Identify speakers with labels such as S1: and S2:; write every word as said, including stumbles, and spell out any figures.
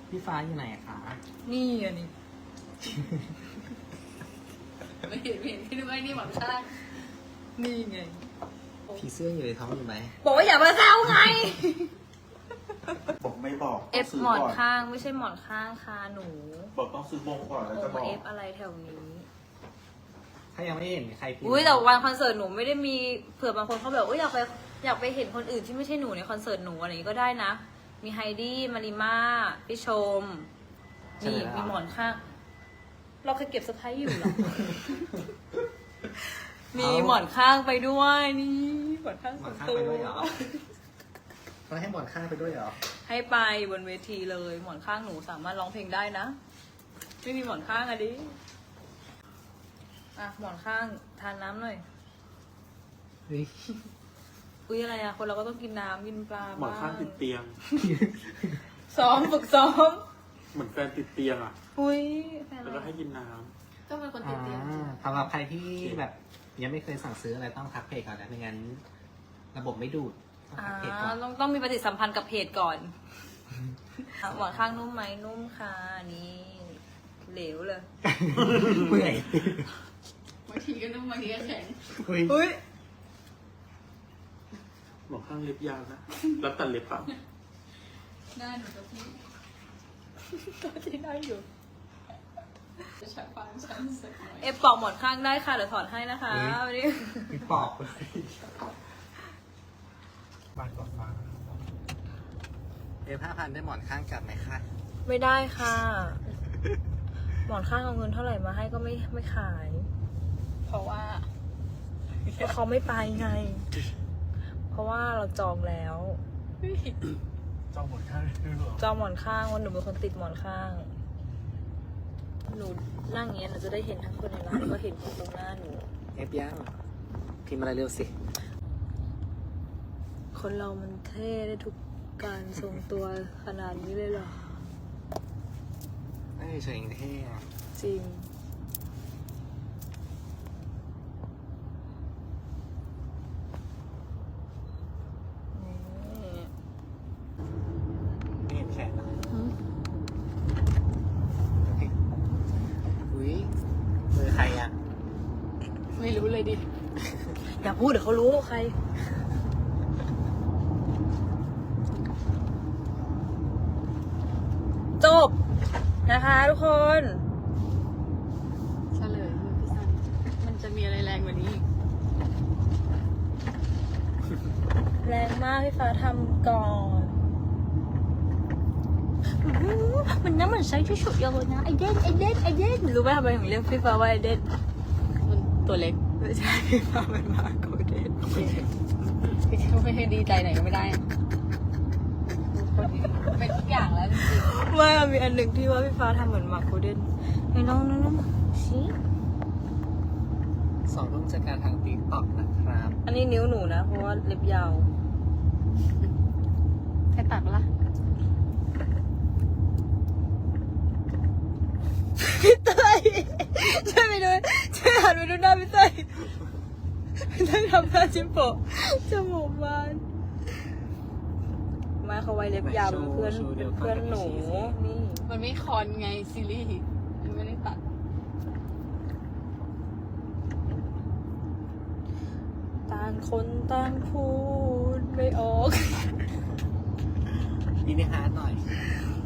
S1: พี่ฟ้าอยู่ไหนอะคะ
S2: นี่อันนี้
S3: ไม่เห็นไม่เห็นที่นึกว่านี่หวังชาติ
S2: นี่ไง
S1: ผีเสื้ออยู่ในท้องอยู่ไหม
S2: บอกว่าอย่ามาแซวไง
S4: บอกไม่บอก
S2: เอฟ
S4: ซื้
S2: หมอน
S4: ก่
S2: ข้างไม่ใช่หมอนข้างค่ะหนู
S4: บอกต้องซื้อบงก่อนแล้ว
S2: โอ้
S4: จะบ
S2: มา
S4: อก
S2: เอฟอะไรแถวนี้
S1: ถ้ายังไม่เห็นใครพิมพ์
S2: อุ้ยแต่วันคอนเสิร์ตหนูไม่ได้มีเผื่อบางคนเขาแบบอุ้ยอยากไปอยากไปเห็นคนอื่นที่ไม่ใช่หนูในคอนเสิร์ตหนูอะไรอย่างนี้ก็ได้นะ มีไฮดี้มาริมาพี่ชมนี่มีหมอนข้าง เราเคยเก็บสไพรส์อยู่เหรอ มีหมอนข้างไปด้วยนี่หมอนข้าง
S1: หม
S2: ส่
S1: อ
S2: วน น
S1: ข้าง
S2: ตัว
S1: ไปด้วยเหรอเขาให้หมอนข้างไปด้วยเหรอ
S2: ให้ไปบนเวทีเลยหมอนข้างหนูสามารถร้องเพลงได้นะ ไม่มีหมอนข้างอะดิอ่ะหมอนข้างทานน้ำหน่อย
S1: เฮ้ย
S2: อุ้ยอะไรอะคนเราก็ต้องกินน้ำกินปลา
S4: หมอนข้างติดเตียง
S2: ซ้อมฝึกซ้อม
S4: เหมือนแฟนติดเตียงอ่ะ
S2: อุ้ยแฟน
S4: แล้ว
S2: เรา
S4: ก็ให้กินน้
S3: ก็เป็นคนติ
S1: อ่า
S3: ดเตียงจริง
S1: สำหรับใครที่แบบยังไม่เคยสั่งซื้ออะไรต้องทักเพจก่อนนะไม่งั้น ระบบไม่ดูดต้อง
S2: อ่า
S1: ทักเพจก่อน
S2: ต้องต้องมีปฏิสัมพันธ์กับเพจก่อนอ่ะหมอนข้างนุ่มไหมนุ่มค่ะนี่เหลวเลย
S1: เมื่อย
S3: บางทีก็นุ่มบางทีก็แข็ง
S1: อุ้ย
S2: อุ้ย
S4: ำหมอนข้างเล็บยาวนะแล้วตัดเล็บเปล่า
S3: หน้าหนูกับพี่
S2: ก็ที่ได้อยู่
S3: จะใช้ความชันสักหน่อย
S2: เอฟปอกหมอนข้างได้ค่ะเดี๋ยวถอดให้นะคะวันนี้
S1: มีปอกบ้านก่อนฟ้าเอฟห้าพันได้หมอนข้างกลับไหมคะ
S2: ไม่ได้ค่ะ หมอนข้างเอาเงินเท่าไหร่มาให้ก็ไม่ไม่ขาย
S3: เพราะว่า
S2: เพราะเขาไม่ไปไง เพราะว่าเราจองแล้ว
S1: จองหมอนข้างด้วยหรอ
S2: จองหมอนข้างวันหนูเป็นคนติดหมอนข้าง หนูนั่งอย่างเงี้ยหนูจะได้เห็นทั้งคนในร้านแล้วก็เห็นคนตรงหน้าหนู
S1: เอฟยังพิมพ์อะไรเร็วสิ
S2: คนเรามันเท่ได้ทุกการทรงตัวขนาดนี้เลยเหรอ
S1: ไม่เฉยๆเท่อะ
S2: จริง นี่
S1: ไม่เห็นแขนเหรออุ้ยมือใครอ่ะ
S3: ไม่รู้เลยดิ
S2: อย่าพูดเดี๋ยวเขารู้ใคร จบ นะคะทุกคน
S3: เฉลยมือพี่ซันมันจะมีอะไรแรงกว่านี้อีก
S2: แรงมากพี่ฟ้าทำก่อนอื้อหือมันน้ำมันใช้ที่สุดเลยนะไอเด่นไอเด่นไอเด่นรู้ไหมทำไมถึงเรียกพี่ฟ้าว่าไอเด่น
S3: มันตัวเล็ก
S2: ไม่ใช่พี่ฟ้าเป็นมาโกเด่น
S3: พี่ก็ไม่ให้ดีใจไหนก็ไม่ได้เป็นทุกอย่างแล้วจริง
S2: ไม่มันมีอันหนึ่งที่ว่าพี่ฟ้าทำเหมือนมาโกเด่นไอ้น้องน้องน้องชี้
S1: สองร่วมจัดการทางติ๊กต็อกนะครับ
S2: อันนี้นิ้วหนูนะ เพราะว่าเล็บยาว
S3: ๆให้ตัดปะล่ะ
S2: พี่เต้ยช่วยไปดูช่วยหันไปดูหน้าพี่เต้ยพี่เต้ยทำหน้าจิ้มโปะจมูกบานไมาเขาไว้เล็บยาวเป็นเพื่อนเป็นเพื่อนหนูนี่
S3: มันไม่คอนไงซีรีส์มันไม่ได้ตัด
S2: ต่างคนต่างพูดไม่ออก
S1: อินดิฮาร์ดหน่อย